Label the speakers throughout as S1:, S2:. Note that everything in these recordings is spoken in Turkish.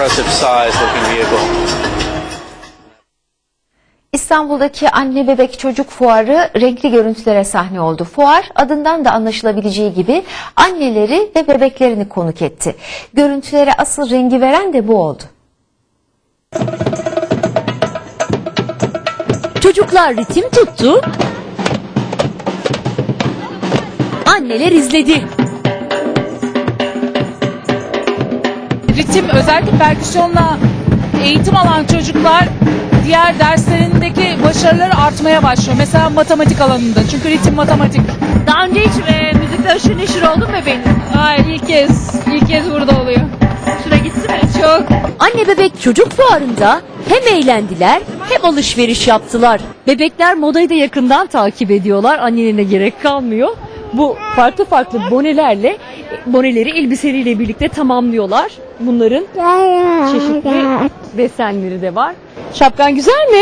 S1: impressive size-looking vehicle.
S2: İstanbul'daki anne bebek çocuk fuarı renkli görüntülere sahne oldu. Fuar adından da anlaşılabileceği gibi anneleri ve bebeklerini konuk etti. Görüntülere asıl rengi veren de bu oldu.
S3: Çocuklar ritim tuttu, anneler izledi.
S4: Ritim, özellikle perküsyonla eğitim alan çocuklar diğer derslerindeki başarıları artmaya başlıyor. Mesela matematik alanında. Çünkü ritim matematik.
S3: Daha önce hiç müzikle aşırı neşir oldun mu bebeğin?
S4: Hayır, ilk kez burada oluyor.
S3: Şuna gitti mi?
S4: Çok.
S3: Anne bebek çocuk fuarında hem eğlendiler hem alışveriş yaptılar. Bebekler modayı da yakından takip ediyorlar. Annelerine gerek kalmıyor. Bu farklı farklı boneleri elbiseleriyle birlikte tamamlıyorlar. Bunların çeşitli desenleri de var. Şapkan güzel mi?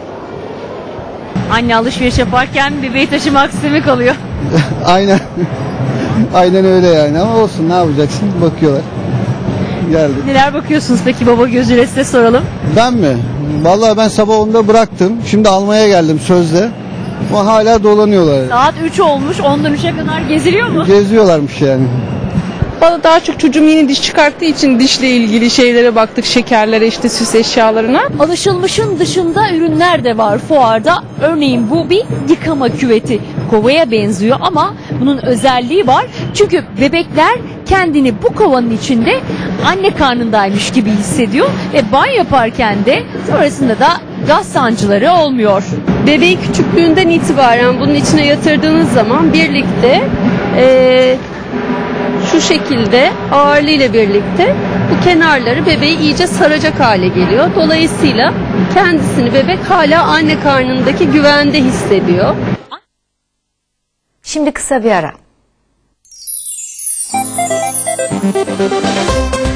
S3: Anne alışveriş yaparken bebeği taşımak istemek oluyor.
S5: Aynen. Aynen öyle yani, ama olsun, ne yapacaksın? Bakıyorlar. Geldik.
S3: Neler bakıyorsunuz peki baba gözüyle, size soralım.
S5: Ben mi? Vallahi ben sabah 10'da bıraktım. Şimdi almaya geldim sözde. Ama hala dolanıyorlar.
S3: Saat 3 olmuş, 10'dan 3'e kadar geziliyor mu?
S5: Geziyorlarmış yani.
S6: Bana daha çok çocuğum yeni diş çıkarttığı için dişle ilgili şeylere baktık, şekerlere, işte süs eşyalarına.
S3: Alışılmışın dışında ürünler de var fuarda. Örneğin bu bir yıkama küveti. Kovaya benziyor ama bunun özelliği var. Çünkü bebekler kendini bu kovanın içinde anne karnındaymış gibi hissediyor ve banyo yaparken de sonrasında da gaz sancıları olmuyor.
S7: Bebeği küçüklüğünden itibaren bunun içine yatırdığınız zaman birlikte şu şekilde ağırlığıyla birlikte bu kenarları bebeği iyice saracak hale geliyor. Dolayısıyla kendisini bebek hala anne karnındaki güvende hissediyor.
S2: Şimdi kısa bir ara.